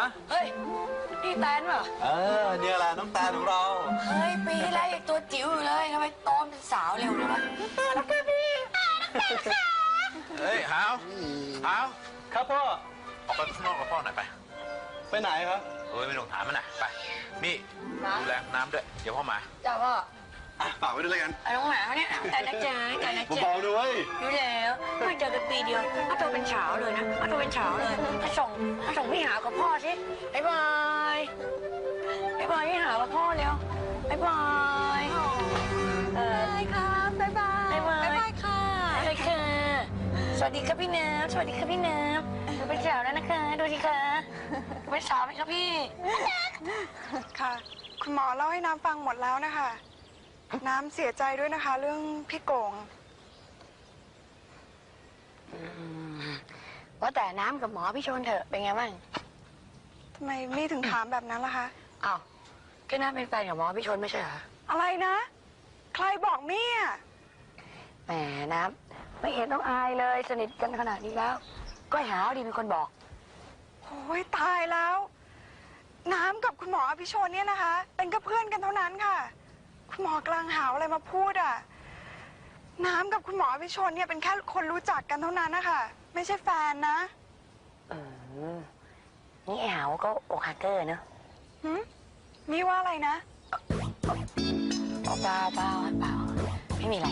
เฮ้ยนี่แตนเหรอเนี่ยแหละน้องแตนของเราเฮ้ยปีที่แล้วยังตัวจิ๋วอยู่เลยทำไมโตเป็นสาวเร็วเลยวะแล้วก็พี่เฮ้ยหาวครับพ่อออกไปข้างนอกกับพ่อหน่อยไปไหนครับไม่ต้องถามมันนะไปมี่ดูแลน้ำด้วยเดี๋ยวพ่อมาจ้าพ่อฝากไว้ด้วยกันน้องหมาเนี่ยแต่นะจ๊ะเบาๆด้วยดูแล้วไม่เจอกันปีเดียวอาโตเป็นเฉาเลยนะอาโตเป็นเฉาเลยมาส่งพี่หากับพ่อสิบ๊ายบายพี่หากับพ่อเร็วบ๊ายบายครับบ๊ายบายค่ะสวัสดีครับพี่น้ำสวัสดีครับพี่น้ำดูเป็นสาวแล้วนะคะดูสิคะเป็นสาวไหมครับพี่ค่ะคุณหมอเล่าให้น้ำฟังหมดแล้วนะคะน้ำเสียใจด้วยนะคะเรื่องพี่โก่งว่าแต่น้ำกับหมอพี่ชนเถอะเป็นไงบ้างทำไมมี่ถึงถามแบบนั้นล่ะคะอ้าวก็น้ำเป็นแฟนกับหมอพี่ชนไม่ใช่เหรออะไรนะใครบอกมี่อ่ะแหมน้ำไม่เห็นต้องอายเลยสนิทกันขนาดนี้แล้วก็หาดีเป็นคนบอกโอ้ยตายแล้วน้ำกับคุณหมออภิชนเนี่ยนะคะเป็นก็เพื่อนกันเท่านั้นค่ะคุณหมอกลางหาวอะไรมาพูดอ่ะน้ำกับคุณหมออภิชนเนี่ยเป็นแค่คนรู้จักกันเท่านั้นนะคะไม่ใช่แฟนนะนี่หาวก็อกหักเกอร์เนอะมี่ว่าอะไรนะเปล่าไม่มีอะไร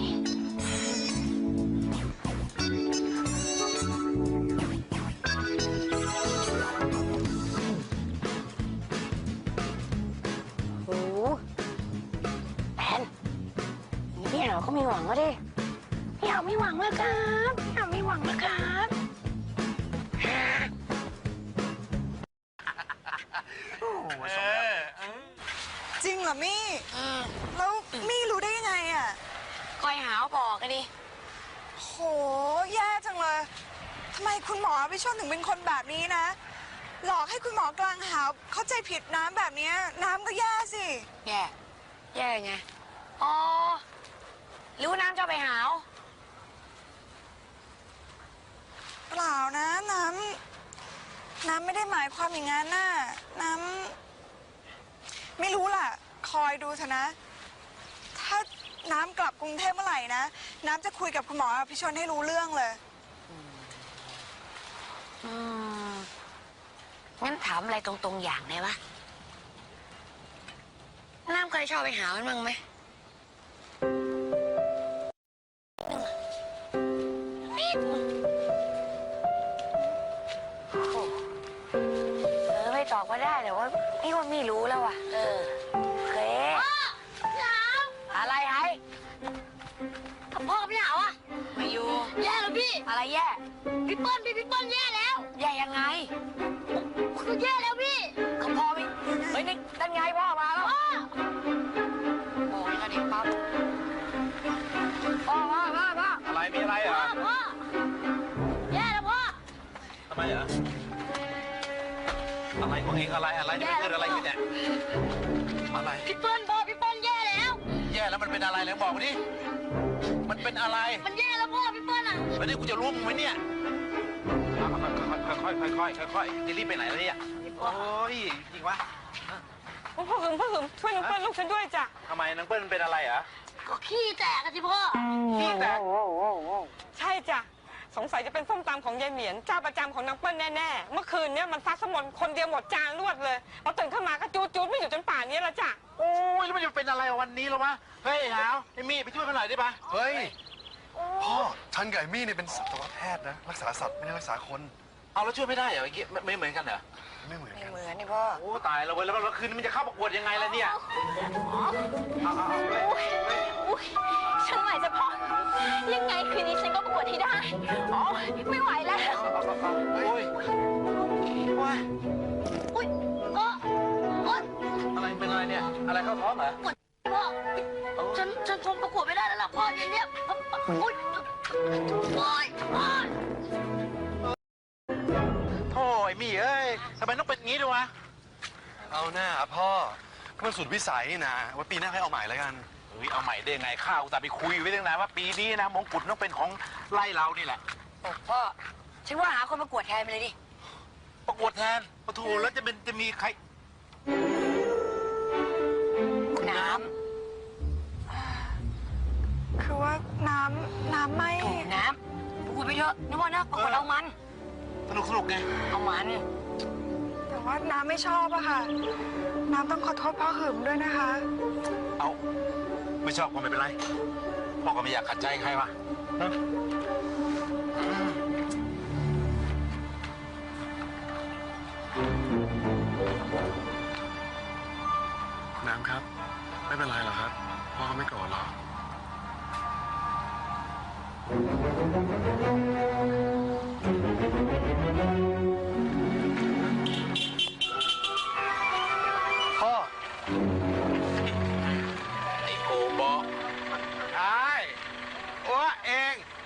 โอ้แอนพี่หาวก็มีหวังแล้วดิพี่หาวไม่หวังแล้วครับพี่หาวไม่หวังแล้วครับจริงเหรอมี่แล้วมี่รู้ได้ยังไงอ่ะคอยหาวบอกกันดิโหแย่จังเลยทำไมคุณหมอพี่ชนถึงเป็นคนแบบนี้นะหลอกให้คุณหมอกลางหาวเข้าใจผิดน้ำแบบนี้น้ำก็แย่สิแย่ไงอ๋อรู้น้ำจะไปหาวเปล่านะน้ำไม่ได้หมายความอย่างนั้นน่ะน้ำไม่รู้ล่ะคอยดูเถอะนะถ้าน้ำกลับกรุงเทพเมื่อไหร่นะน้ำจะคุยกับคุณหมอพิชนให้รู้เรื่องเลยงั้นถามอะไรตรงๆอย่างได้ปะน้ำเคยชอบไปหามันบ้างไหมไม่ตอบก็ได้แต่ว่าพี่ว่าไม่รู้แล้วว่ะเคอะไรไอ้พ่อกับพี่หาวอะไม่อยู่แย่แล้วพี่อะไรแย่พี่เปิ้ลแย่แล้วแย่ยังไงคือแย่แล้วพี่เขาพ่อไม่เฮ้ยนี่นั่นไงพ่อมาแล้วโอ้ยกระดิ่งปั๊บพ่ออะไรมีอะไรเหรอพ่อแย่แล้วพ่อทำไมเหรออะไรของเองอะไรนี่มันเกิดอะไรขึ้นเนี่ยอะไรพี่เปิ้ลแย่แล้วมันเป็นอะไรแล้วบอกมาดิมันเป็นอะไรมันแย่แล้วพ่อพี่เปิ้ลอะแล้วนี่กูจะรู้มึงไหมเนี่ยค่อยจะรีบไปไหนแล้วเนี่ยโอ้ยจริงวะพ่อหึมช่วยน้องเปิ้ลลูกฉันด้วยจ้ะทำไมน้องเปิ้ลเป็นอะไรเหรอก็ขี้แตกสิพ่อขี้แตกใช่จ้ะสงสัยจะเป็นส้มตำของยายเหมียนเจ้าประจำของน้องเปิ้ลแน่ๆเมื่อคืนเนี่ยมันซัดสมนคนเดียวหมดจานรวดเลยพอตื่นขึ้นมาก็จูดไม่อยู่จนป่านนี้แล้วจ้ะโอ้ยแล้วมันจะเป็นอะไรวันนี้หรอวะเฮ้ยหาวไอ้มี่ไปช่วยมันหน่อยได้ปะเฮ้ยพ่อฉันกับไอ้มี่เนี่ยเป็นสัตวแพทย์นะรักษาสัตว์ไม่ได้รักษาคนเอาแล้วช่วยไม่ได้เหรอเมื่อกี้ไม่เหมือนกันเหรอไม่เหมือนนี่พ่อโอ้ตายแล้วเว้ยแล้วคืนนี้มันจะเข้าประกวดยังไงล่ะเนี่ยฉันไหวจะพอยังไงคืนนี้ฉันก็ประกวดให้ได้อ๋อไม่ไหวแล้วโอ้ยอะไรเป็นอะไรเนี่ยอะไรเข้าท้องเหรอพ่อฉันคงประกวดไม่ได้แล้วล่ะพ่อเนี่ยโอ้ยมี่เอ้ยทำไมต้องเป็นงี้ด้วยวะเอาหน้าพ่อก็มันสุดวิสัยนะว่าปีหน้าให้เอาใหม่แล้วกันเอาใหม่ได้ไงข้าวแต่ไปคุยไว้ตั้งนานว่าปีนี้นะมงกุฎต้องเป็นของไล่เรานี่แหละพ่อฉันว่าหาคนประกวดแทนไปเลยดิประกวดแทนปะโถแล้วจะมีใครน้คือว่าน้ำไม่ำถูกน้ำพูดไปเถอะนึกว่านะปรากฏเอามันสนุกไงเอามันแต่ว่าน้ำไม่ชอบอะค่ะ น้ำต้องขอโทษพ่อหึมด้วยนะคะเอาไม่ชอบก็ไม่เป็นไรพ่อก็ไม่อยากขัดใจใครวะน้ำครับ ไม่เป็นไรหรอกครับ พ่อเขาไม่โกรธหรอก พ่อไอ้โกบอกไอ้อ้วเอง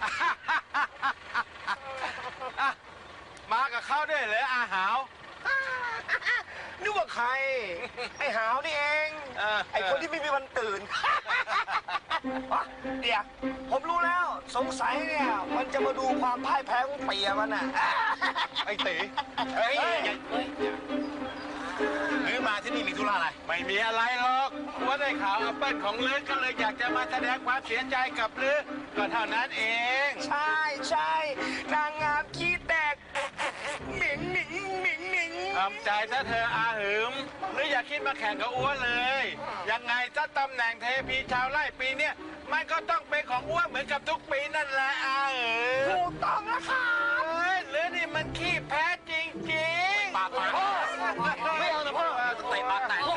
มากับเขาด้วยเหรออาหาวนึกว่าใคร ไอ้หาวนี่เอง ไอ้คนที่ไม่มีวันตื่น เดี๋ยวผมรู้แล้ว สงสัยเนี่ย มันจะมาดูความพ่ายแพ้ของเปียมันน่ะไอ้ตีเฮ้ยหรือมาที่นี่มีธุระอะไร ไม่มีอะไรหรอกว่าได้ข่าวแอปเปิ้ลของลือก็เลยอยากจะมาแสดงความเสียใจกับลือก็เท่านั้นเองใช่นางงามขี้แตกหมิงหนิงหมิงหนิงทำใจซะเธออาหืมหรืออย่าคิดมาแข่งกับอ้วนเลย ยังไงซะตำแหน่งเทพีชาวไร่ปีเนี้ยมันก็ต้องเป็นของอ้วนเหมือนกับทุกปีนั่นแหละอาหืมถูกต้องแล้วค่ะหรือนี่มันขี้แพ้จริงๆปากพ่อไม่เอานะพ่อเตะปากแตก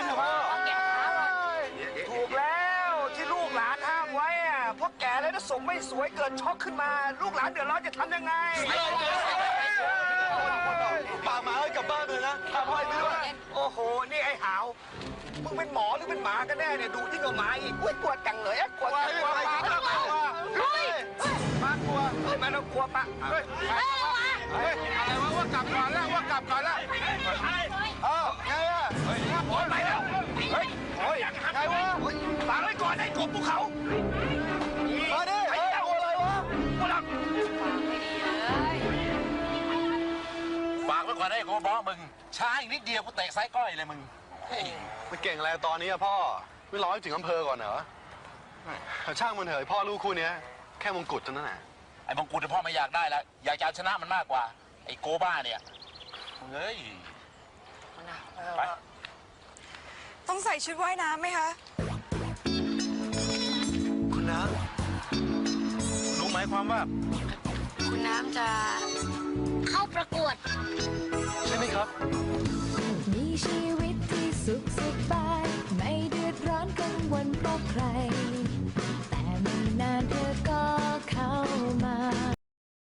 ถูกแล้วที่ลูกหลานห้ามไว้อะเพราะแก่แล้วถ้าสมไม่สวยเกิดช็อกขึ้นมา ลูกหลานเดือดร้อนจะทำยังไงป่าหมาให้กลับบ้านเลยนะพาพ่อไปด้วยโอ้โห นี่ไอ้หาว มึงเป็นหมอหรือเป็นหมากันแน่เนี่ย ดูที่งกับหมาอีกอุ้ยกลัวจังเลยอะกลัวจังกลัวปะกลัวปะกลัวไม่ต้องกลัวปะเฮ้ยอะไรวะว่ากลับก่อนแล้วว่ากลับก่อนแล้วเอ้าไงอะเฮ้ยโอ้ยไปแล้วเฮ้ยโอ้ยไงวะฟังไว้ก่อนไอ้กบภูเขามาดิไอ้เจ้าอะไรวะพวกเราฝากไว้ก่อนไอ้โกบอมึงช้าอีกนิดเดียวกูเตะไซก้อยเลยมึงมันเก่งอะไรตอนนี้อะพ่อ ไม่รอให้ถึงอำเภอก่อนเหรอช่างมันเถอะพ่อลูกคู่เนี้ยแค่มงกุฎเท่านั้นแหละไอ้มงกุฎพ่อไม่อยากได้แล้วอยากจะเอาชนะมันมากกว่า ไอ้โกบ้าเนี่ยเฮ้ยไปต้องใส่ชุดว่ายน้ำไหมคะคุณน้รู้หมายความว่าคุณน้ำจะเข้าประกวดำใช่ไหมครับ